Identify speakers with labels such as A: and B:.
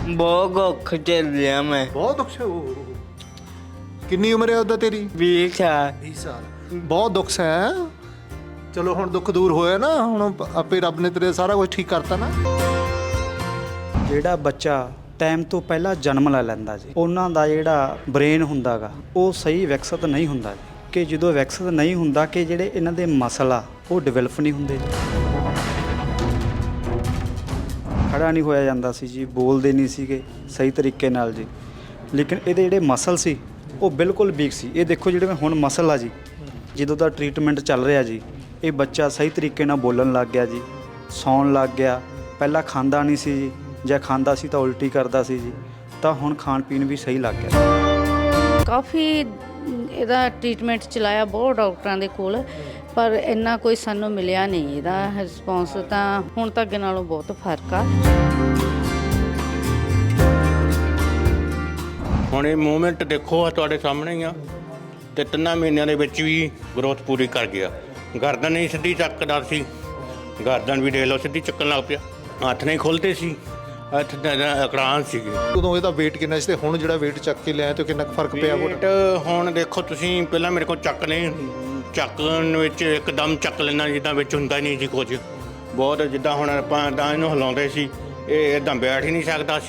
A: ਬਹੁਤ ਔਖ ਝੱਲਿਆ ਮੈਂ।
B: ਬਹੁਤ ਦੁੱਖ ਕਿੰਨੀ ਉਮਰ ਹੈ ਉਹਦਾ ਤੇਰੀ?
A: 20 ਸਾਲ।
B: 20 ਸਾਲ। ਬਹੁਤ ਦੁੱਖ ਹੈ। ਚਲੋ ਹੁਣ ਦੁੱਖ ਦੂਰ ਹੋਇਆ ਨਾ, ਹੁਣ ਆਪੇ ਰੱਬ ਨੇ ਤੇਰੇ ਸਾਰਾ ਕੁਝ ਠੀਕ ਕਰਤਾ ਨਾ।
C: ਜਿਹੜਾ ਬੱਚਾ ਟਾਈਮ ਤੋਂ ਪਹਿਲਾਂ ਜਨਮ ਲੈ ਲੈਂਦਾ ਜੀ, ਉਹਨਾਂ ਦਾ ਜਿਹੜਾ ਬ੍ਰੇਨ ਹੁੰਦਾ ਗਾ ਉਹ ਸਹੀ ਵਿਕਸਿਤ ਨਹੀਂ ਹੁੰਦਾ ਜੀ। ਕਿ ਜਦੋਂ ਵਿਕਸਿਤ ਨਹੀਂ ਹੁੰਦਾ ਕਿ ਜਿਹੜੇ ਇਹਨਾਂ ਦੇ ਮਸਲ ਆ ਉਹ ਡਿਵੈਲਪ ਨਹੀਂ ਹੁੰਦੇ ਜੀ। ਖੜਾ ਨਹੀਂ ਹੋਇਆ ਜਾਂਦਾ ਸੀ ਜੀ, ਬੋਲਦੇ ਨਹੀਂ ਸੀਗੇ ਸਹੀ ਤਰੀਕੇ ਨਾਲ ਜੀ। ਲੇਕਿਨ ਇਹਦੇ ਜਿਹੜੇ ਮਸਲ ਸੀ ਉਹ ਬਿਲਕੁਲ ਵੀਕ ਸੀ। ਇਹ ਦੇਖੋ ਜਿਹੜੇ ਹੁਣ ਮਸਲ ਆ ਜੀ, ਜਦੋਂ ਦਾ ਟ੍ਰੀਟਮੈਂਟ ਚੱਲ ਰਿਹਾ ਜੀ, ਇਹ ਬੱਚਾ ਸਹੀ ਤਰੀਕੇ ਨਾਲ ਬੋਲਣ ਲੱਗ ਗਿਆ ਜੀ, ਸੌਣ ਲੱਗ ਗਿਆ। ਪਹਿਲਾਂ ਖਾਂਦਾ ਨਹੀਂ ਸੀ ਜੀ, ਜੇ ਖਾਂਦਾ ਸੀ ਤਾਂ ਉਲਟੀ ਕਰਦਾ ਸੀ ਜੀ, ਤਾਂ ਹੁਣ ਖਾਣ ਪੀਣ ਵੀ ਸਹੀ ਲੱਗ ਗਿਆ।
D: ਕਾਫੀ ਇਹਦਾ ਟ੍ਰੀਟਮੈਂਟ ਚਲਾਇਆ ਬਹੁਤ ਡਾਕਟਰਾਂ ਦੇ ਕੋਲ, ਪਰ ਇੰਨਾ ਕੋਈ ਸਾਨੂੰ ਮਿਲਿਆ ਨਹੀਂ ਇਹਦਾ ਰਿਸਪੌਂਸ। ਤਾਂ ਹੁਣ ਤੱਕ ਨਾਲੋਂ ਬਹੁਤ ਫਰਕ ਆ।
E: ਹੁਣ ਇਹ ਮੂਵਮੈਂਟ ਦੇਖੋ ਆ ਤੁਹਾਡੇ ਸਾਹਮਣੇ ਹੀ ਆ, ਤੇ 3 ਮਹੀਨਿਆਂ ਦੇ ਵਿੱਚ ਵੀ ਗਰੋਥ ਪੂਰੀ ਕਰ ਗਿਆ। ਗਰਦਨ ਨਹੀਂ ਸਿੱਧੀ ਚੱਕਦਾ ਸੀ, ਗਰਦਨ ਵੀ ਦੇਖ ਲਓ ਸਿੱਧੀ ਚੱਕਣ ਲੱਗ ਪਿਆ। ਹੱਥ ਨਹੀਂ ਖੁੱਲ੍ਹਦੇ ਸੀ, ਹੱਥ ਅਕੜਾਨ ਸੀਗੇ।
B: ਉਦੋਂ ਇਹਦਾ weight ਕਿੰਨਾ ਸੀ ਤੇ ਹੁਣ ਜਿਹੜਾ weight ਚੱਕ ਕੇ ਲਿਆ ਤੇ ਕਿੰਨਾ ਕੁ ਫਰਕ ਪਿਆ?
E: weight ਹੁਣ ਦੇਖੋ ਤੁਸੀਂ, ਪਹਿਲਾਂ ਮੇਰੇ ਕੋਲ ਚੱਕਣ ਵਿੱਚ ਇੱਕਦਮ ਚੱਕ ਲੈਣਾ ਜਿੱਦਾਂ ਵਿੱਚ ਹੁੰਦਾ ਹੀ ਨਹੀਂ ਸੀ ਕੁਝ। ਬਹੁਤ ਜਿੱਦਾਂ ਹੁਣ ਆਪਾਂ ਤਾਂ ਇਹਨੂੰ ਹਿਲਾਉਂਦੇ ਸੀ, ਇਹ ਇੱਦਾਂ ਬੈਠ ਹੀ ਨਹੀਂ ਸਕਦਾ